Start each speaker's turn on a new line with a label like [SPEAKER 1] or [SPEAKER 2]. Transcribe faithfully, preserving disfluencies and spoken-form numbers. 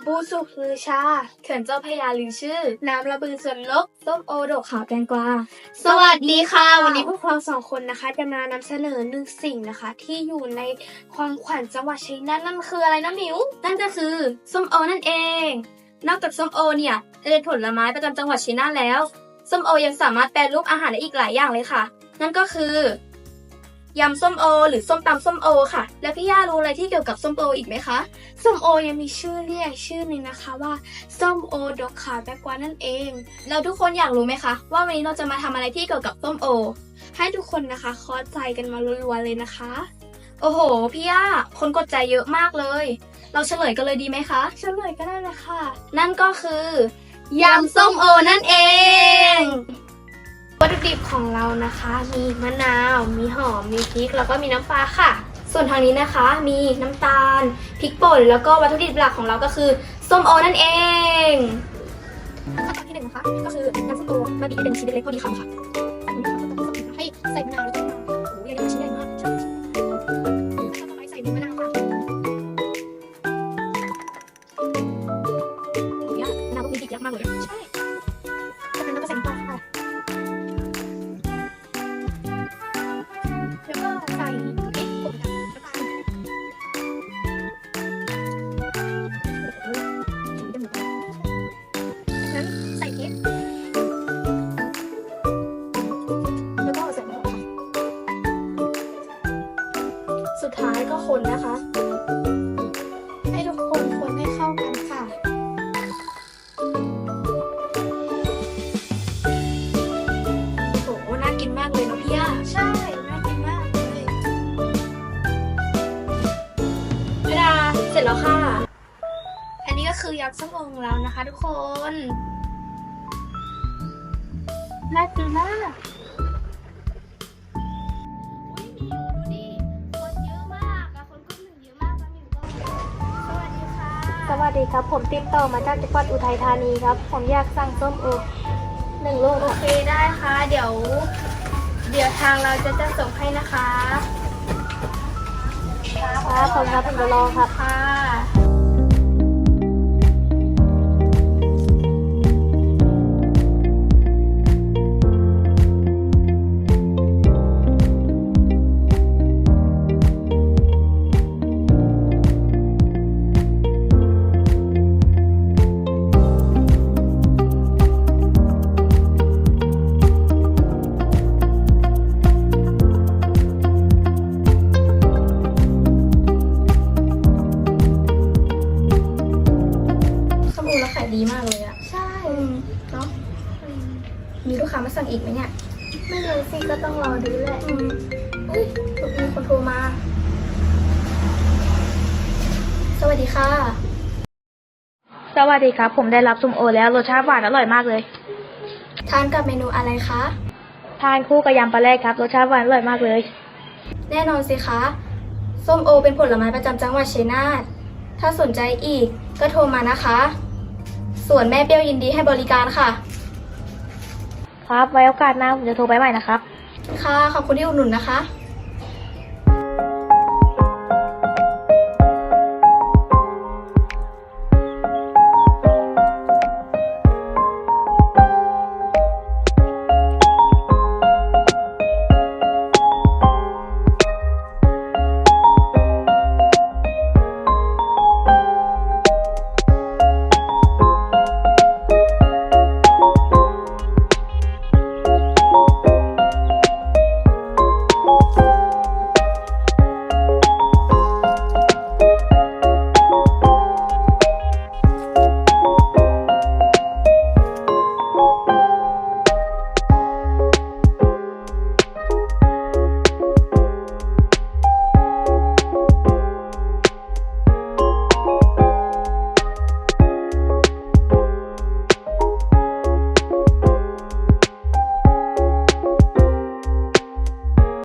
[SPEAKER 1] บูสุกลือชาเขื่อนเจ้าพระยาลือชื่อน้ำระบือสวนลกส้มโอดกขาวแตงกวาสวัสดีค่ะวันนี้พวกเราสองคนนะคะจะมานำเสนอหนึ่งสิ่งนะคะที่อยู่ในความขวัญจังหวัดชัยนาทนั่นคืออะไรนะหมิวนั่นก็คือส้มโอนั่นเองนอกจากส้มโอเนี่ยเป็นผลไม้ประจำจังหวัดชัยนาทแล้วส้มโอยังสามารถแปรรูปอาหารได้อีกหลายอย่างเลยค่ะนั่นก็คือยำส้มโอหรือส้มตำส้มโอค่ะแล้วพี่ย่ารู้อะไรที่เกี่ยวกับส้มโออีกไหมคะส้มโอยังมีชื่อเรียกชื่อหนึ่งนะคะว่าส้มโอดกขาวแตงกวานั่นเองแล้วทุกคนอยากรู้ไหมคะว่าวันนี้เราจะมาทำอะไรที่เกี่ยวกับส้มโอให้ทุกคนนะคะเคาะใจกันมารัวๆเลยนะคะโอ้โหพี่ย่าคนกดใจเยอะมากเลยเราเฉลยกันเลยดีไหมคะเฉลยก็ได้เลยค่ะนั่นก็คือยำส้มโอนั่นเองวัตถุดิบของเรานะคะมีมะนาวมีหอมมีพริกแล้วก็มีน้ำปลาค่ะส่วนทางนี้นะคะมีน้ำตาลพริกป่นแล้วก็วัตถุดิบหลักของเราก็คือส้มโอนั่นเองขั้นตอนที่หนึ่งนะคะก็คือนำส้มโอมาบีบให้เป็นชิ้นเล็กๆพอดีคำค่ะให้ใส่มะนาวแล้วก็มะนาวโอ้โหใหญ่ๆชิ้นใหญ่มากขั้นตอนต่อไปใส่มะนาวค่ะเนี่ยมะนาวก็มีดิบยักษ์มากเลยใช่จากนั้นเราก็ใส่น้ำปลาค่ะแล้วก็ใส่พริกป่นกับน้ำตาลโอ้โหถึงจะหมดแล้วจากนั้นใส่พริกแล้วก็ใส่หอมค่ะสุดท้ายก็คนนะคะให้ทุกคนคนให้เข้ากันค่ะโอ้โหน่ากินมากเลยเนาะพี่ย่าใช่น่ากินมากเลยพดาเสร็จแล้วค่ะอันนี้ก็คือยำส้มโอของเรานะคะทุกคนน่ากินมาก
[SPEAKER 2] สวัสดีครับผมติดต่อมาจากจังหวัดอุทัยธานีครับผมอยากสั่งส้มโอหนึ่งลูก
[SPEAKER 1] โอเคได้ค่ะเดี๋ยวเดี๋ยวทางเราจะจะส่งให้นะคะ
[SPEAKER 2] ครับผมครับผมจะรอครับ
[SPEAKER 1] ค่ะข้อมูลเราขายดีมากเลยอะใช่เนาะมีลูกค้ามาสั่งอีกไหมเนี่ยไม่รู้สิก็ต้องรอดูแหละอืมเฮ้ยมีคนโทรมาสวัสดีค่ะ
[SPEAKER 2] สวัสดีครับผมได้รับส้มโอแล้วรสชาติหวานอร่อยมากเลย
[SPEAKER 1] ทานกับเมนูอะไรคะ
[SPEAKER 2] ทานคู่กับยำปลาแรกครับรสชาติหวานอร่อยมากเลย
[SPEAKER 1] แน่นอนสิคะส้มโอเป็นผลไม้ประจำจังหวัดชัยนาทถ้าสนใจอีกก็โทรมานะคะ ส่วนแม่เปรี้ยวยินดีให้บริการค่ะ
[SPEAKER 2] ครับไว้โอกาสหน้าผมจะโทรไปใหม่นะครับ
[SPEAKER 1] ค่ะขอบคุณที่อุดหนุนนะคะ